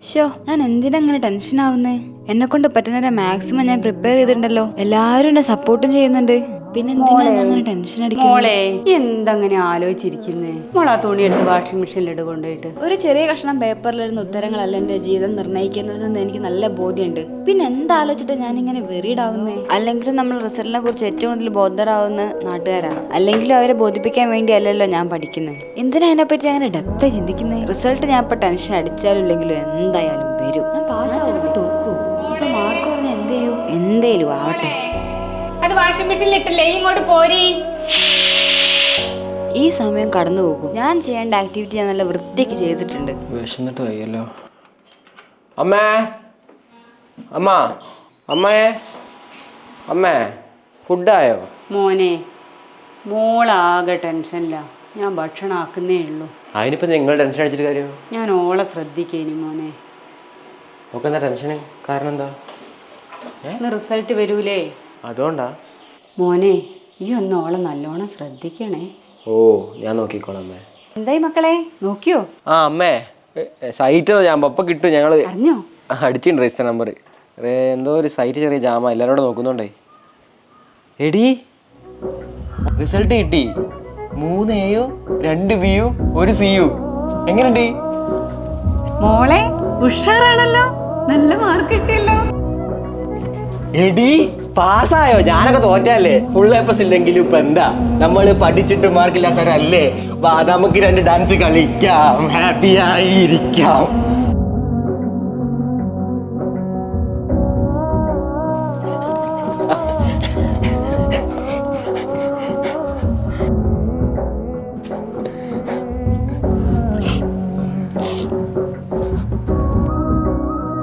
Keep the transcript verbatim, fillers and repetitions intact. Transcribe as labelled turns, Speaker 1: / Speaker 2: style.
Speaker 1: Show ഞാൻ എന്തിനാ അങ്ങനെ ടെൻഷൻ ആവുന്നേ? എന്നെ കൊണ്ട് പറ്റുന്നതിന്റെ മാക്സിമം ഞാൻ പ്രിപ്പയർ ചെയ്തിട്ടുണ്ടല്ലോ. എല്ലാരും എന്നെ സപ്പോർട്ടും ചെയ്യുന്നുണ്ട്. പിന്നെ എന്തിനാ ഞാൻ അങ്ങനെ ടെൻഷൻ അടിക്കുന്നത്?
Speaker 2: മോളെ എന്തങ്ങനെ ആലോചിച്ചിരിക്കുന്നേ? മോളാ തുണി എടുത്ത് വാഷിംഗ് മെഷീനിൽ ഇട്ട് കൊണ്ടുപോയിട്ട്
Speaker 1: ഒരു ചെറിയ കഷ്ണം പേപ്പറിലിരുന്ന ഉത്തരങ്ങളല്ല എന്റെ ജീവിതം നിർണ്ണയിക്കുന്നതെന്ന് എനിക്ക് നല്ല ബോധ്യമുണ്ട്. പിന്നെ എന്താലോചിച്ചിട്ട് ഞാൻ ഇങ്ങനെ വെറിയിടാവുന്നേ? അല്ലെങ്കിലും നമ്മൾ റിസൾട്ടിനെ കുറിച്ച് ഏറ്റവും കൂടുതൽ ബോധറാവുന്ന നാട്ടുകാരാ. അല്ലെങ്കിലും അവരെ ബോധിപ്പിക്കാൻ വേണ്ടി അല്ലല്ലോ ഞാൻ പഠിക്കുന്നത്. എന്തിനാ അതിനെപ്പറ്റി അങ്ങനെ ഡെപ്തായി ചിന്തിക്കുന്നത്? റിസൾട്ട് ഞാൻ ഇപ്പൊ ടെൻഷൻ അടിച്ചാലും ഇല്ലെങ്കിലും എന്തായാലും വരും. ഞാൻ പാസ്സാവും തോക്കൂ. ഇപ്പൊ മാർക്ക് പറഞ്ഞാൽ എന്ത് ചെയ്യും? എന്തേലും ആവട്ടെ.
Speaker 2: അത് വാഷിംഗ് മെഷീനിൽ ഇട്ടില്ലേ? ഇങ്ങോട്ട് പോരി.
Speaker 1: ഈ സമയം കടന്നു പോകും. ഞാൻ ചെയ്യേണ്ട ആക്ടിവിറ്റി ഞാൻ നല്ല വൃത്തിക്ക് ചെയ്തിട്ടുണ്ട്.
Speaker 3: വിശന്നിട്ട് വയ്യല്ലോ. അമ്മേ അമ്മ അമ്മേ അമ്മേ ഫുഡായോ?
Speaker 2: മോനെ മോളാകെ ടെൻഷനില്ല. ഞാൻ ഭക്ഷണം ആക്കുന്നേ ഉള്ളൂ.
Speaker 3: അതിനിപ്പോ നിങ്ങൾ ടെൻഷൻ അടിച്ചിട്ട് കാര്യം?
Speaker 2: ഞാൻ ഓളെ ശ്രദ്ധിക്കേനി മോനെ.
Speaker 3: നോക്ക് എന്താ ടെൻഷന്? കാരണം എന്താ?
Speaker 2: ഇന്ന് റിസൾട്ട് വരൂലേ?
Speaker 3: അതുകൊണ്ടാ?
Speaker 2: മോനെ ഈ ഒന്ന് ഓളെ നല്ലോണം ശ്രദ്ധിക്കണേ.
Speaker 3: ഓ ഞാൻ നോക്കിക്കോളാം അമ്മേ.
Speaker 2: എന്തായി മക്കളെ നോക്കിയോ?
Speaker 3: ആ അമ്മേ സൈറ്റ് ഞാൻ ഒപ്പം കിട്ടും. ഞങ്ങൾ
Speaker 2: അറിഞ്ഞോ?
Speaker 3: അടിച്ചിട്ടുണ്ട് രജിസ്റ്റർ നമ്പർ. എന്തോ ഒരു സൈറ്റ് ചെറിയ ജാമ എല്ലാവരും കൂടെ നോക്കുന്നുണ്ടേ. എടി റിസൾട്ട് കിട്ടി. മൂന്ന് എയോ രണ്ട് ബിയു ഒരു സിയു. എങ്ങനെയുണ്ട്
Speaker 2: മോളെ? ഉഷാറാണല്ലോ, നല്ല മാർക്ക് കിട്ടിയല്ലോ.
Speaker 3: എടി പാസ്സായോ? ഞാനൊക്കെ തോറ്റല്ലേ. ഫുൾ എ പ്ലസ് ഇല്ലെങ്കിലും ഇപ്പൊ എന്താ, നമ്മള് പഠിച്ചിട്ട് മാർക്കില്ലാത്തവരല്ലേ. വാ നമുക്ക് രണ്ട് ഡാൻസ് കളിക്കാം, ഹാപ്പി ആയിരിക്കാം.